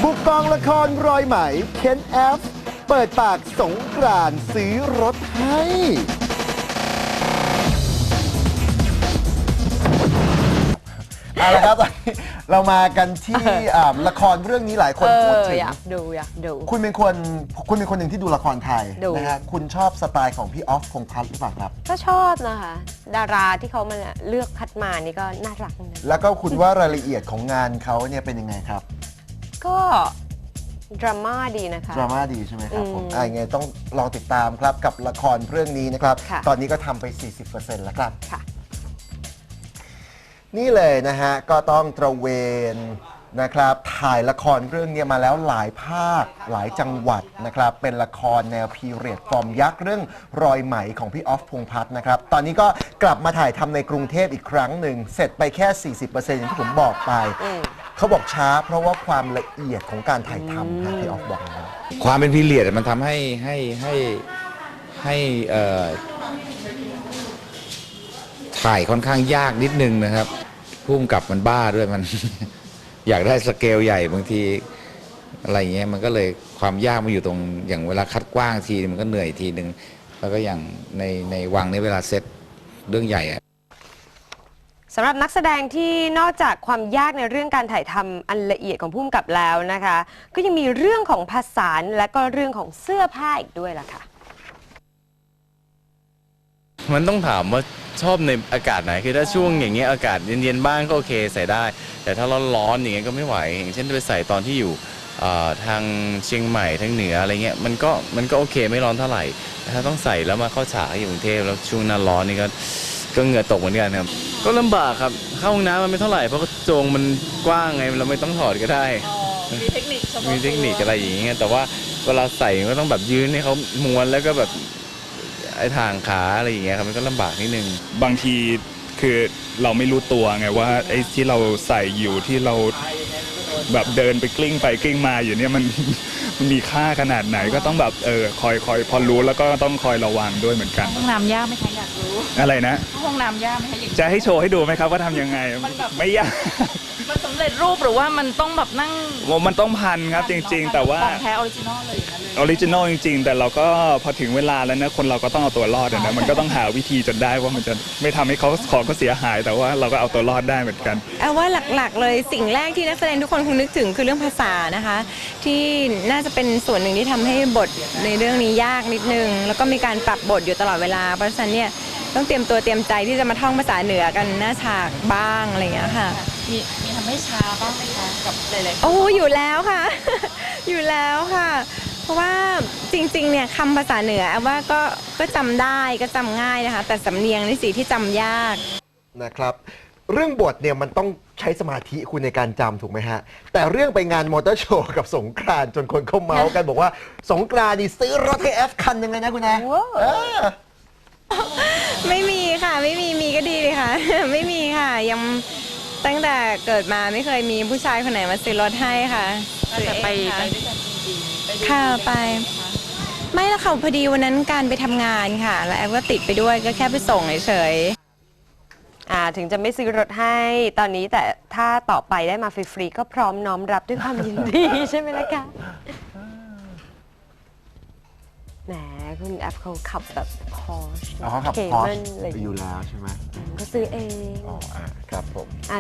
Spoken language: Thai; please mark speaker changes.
Speaker 1: ผู้กองละครรอยไหมเคนแอฟเปิดปากสงกรานต์ซื้อรถให้เอาละครับตอนนี้เรามากันที่ละครเรื่องนี้หลายคนพูดถึง
Speaker 2: อยากดู
Speaker 1: คุณเป็นคนหนึ่งที่ดูละครไทยนะฮะคุณชอบสไตล์ของพี่ออฟพงษ์พัฒน์หรือเปล่าครับ
Speaker 2: ก็ชอบนะคะดาราที่เขามาเลือกคัดมานี่ก็น่ารักนะ
Speaker 1: แล้วก็คุณว่ารายละเอียดของงานเขาเนี่ยเป็นยังไงครับ
Speaker 2: ก็ดราม่าดีนะคะ
Speaker 1: ดราม่าดีใช่ไหมครับผมยังไงต้องลองติดตามครับกับละครเรื่องนี้นะครับตอนนี้ก็ทำไป 40% แล้วครับนี่เลยนะฮะก็ต้องตระเวนนะครับถ่ายละครเรื่องนี้มาแล้วหลายภาคหลายจังหวัดนะครับเป็นละครแนวพีเรียดฟอร์มยักษ์เรื่องรอยไหมของพี่ออฟพงษ์พัฒน์นะครับตอนนี้ก็กลับมาถ่ายทำในกรุงเทพอีกครั้งหนึ่งเสร็จไปแค่ 40% อย่างที่ผมบอกไปเขาบอกช้าเพราะว่าความละเอียดของการถ่ายทำครับพี่ออฟบอกนะ
Speaker 3: ความเป็นพีเรียดมันทำให้ถ่ายค่อนข้างยากนิดนึงนะครับพุ่มกับมันบ้าด้วยมัน อยากได้สเกลใหญ่บางทีอะไรเงี้ยมันก็เลยความยากมาอยู่ตรงอย่างเวลาคัดกว้างทีมันก็เหนื่อยทีนึงแล้วก็อย่างในวังในเวลาเซตเรื่องใหญ่
Speaker 2: สำหรับนักแสดงที่นอกจากความยากในเรื่องการถ่ายทำอันละเอียดของผู้กำกับแล้วนะคะก็ยังมีเรื่องของภาษาและก็เรื่องของเสื้อผ้าอีกด้วยล่ะค่ะ
Speaker 4: มันต้องถามว่าชอบในอากาศไหนคือถ้าช่วงอย่างเงี้ยอากาศเย็นๆบ้างก็โอเคใส่ได้แต่ถ้าร้อนๆอย่างเงี้ยก็ไม่ไหวอย่างเช่นไปใส่ตอนที่อยู่ทางเชียงใหม่ทางเหนืออะไรเงี้ยมันก็โอเคไม่ร้อนเท่าไหร่แต่ถ้าต้องใส่แล้วมาเข้าฉากอยู่กรุงเทพแล้วช่วงหน้าร้อนนี่ก็เหงื่อตกเหมือนกันครับก็ลำบากครับเข้าห้องน้ำมันไม่เท่าไหร่เพราะกระโจงมันกว้างไงเราไม่ต้องถอดก็ได้
Speaker 2: มีเทคนิค
Speaker 4: อะไรอย่างเงี้ยแต่ว่าเวลาใส่ก็ต้องแบบยืนให้เขาม้วนแล้วก็แบบไอ้ทางขาอะไรอย่างเงี้ยครับมันก็ลำบากนิดนึง
Speaker 5: บางทีคือเราไม่รู้ตัวไงว่าไอ้ที่เราใส่อยู่ที่เราแบบเดินไปกลิ้งไปกลิ้งมาอยู่เนี่ยมันมีค่าขนาดไหนก็ต้องแบบคอยพอรู้แล้วก็ต้องคอยระวังด้วยเหมือนกัน
Speaker 6: ห้องน้ำยากไหมคะอยากรู้
Speaker 5: อะไรนะ
Speaker 6: ห้องน้ำยากไหมคะ
Speaker 5: จะให้โชว์ให้ดูไหมครับว่าทำยังไงไม่ยาก
Speaker 6: มันสำเร็จรูปหรือว่ามันต้องแบบนั่ง
Speaker 5: มันต้องพันครับจริงๆแต่ว่า
Speaker 6: ของแท้ออริจินอลเลย
Speaker 5: ออริจินอลจริงๆแต่เราก็พอถึงเวลาแล้วนะคนเราก็ต้องเอาตัวรอดนะมันก็ต้องหาวิธีจนได้ว่ามันจะไม่ทำให้ของเขาเสียหายแต่ว่าเราก็เอาตัวรอดได้เหมือนกัน
Speaker 7: ว่าหลักๆเลยสิ่งแรกที่นักแสดงทุกคนคงนึกถึงคือเรื่องภาษานะคะที่น่าจะเป็นส่วนหนึ่งที่ทำให้บทในเรื่องนี้ยากนิดนึงแล้วก็มีการปรับบทอยู่ตลอดเวลาเพราะฉะนั้นเนี่ยต้องเตรียมตัวเตรียมใจที่จะมาท่องภาษาเหนือกันหน้าฉากบ้างอะไรอย่างเงี้ยค่ะ
Speaker 6: มีทำให้ช้าบ้างไหมคะกับหลายๆ
Speaker 7: โอ้อยู่แล้วค่ะ อยู่แล้วค่ะเพราะว่าจริงๆเนี่ยคำภาษาเหนือว่าก็จำได้ก็จำง่ายนะคะแต่สำเนียงนี่สิที่จำยาก
Speaker 1: นะครับเรื่องบทเนี่ยมันต้องใช้สมาธิคุณในการจำถูกไหมฮะแต่เรื่องไปงานมอเตอร์โชว์กับสงกรานต์จนคนเขาเมาส์กันบอกว่าสงกรานต์นี่ซื้อรถให้แอฟคันยังไงนะคุณนะ
Speaker 7: ไม่มีค่ะไม่มีก็ดีเลยค่ะ ไม่มีค่ะยังตั้งแต่เกิดมาไม่เคยมีผู้ชายคนไหนมาซื้อรถให้ค่ะ
Speaker 6: แต่ไปด้วยกันจริง
Speaker 7: ๆค่ะไปไม่ละค่ะพอดีวันนั้นการไปทำงานค่ะแล้วแอฟก็ติดไปด้วยก็แค่ไปส่งเฉย
Speaker 2: ถึงจะไม่ซื้อรถให้ตอนนี้แต่ถ้าต่อไปได้มาฟรีๆก็พร้อมน้อมรับด้วยความยินดีใช่ไหมล่ะคะแหมคุณแอฟเขาขับแบบพอช
Speaker 1: เขาขับพอชอยู่แล้วใช่ไหม
Speaker 2: ก็ซื้อเอง
Speaker 1: ครับผม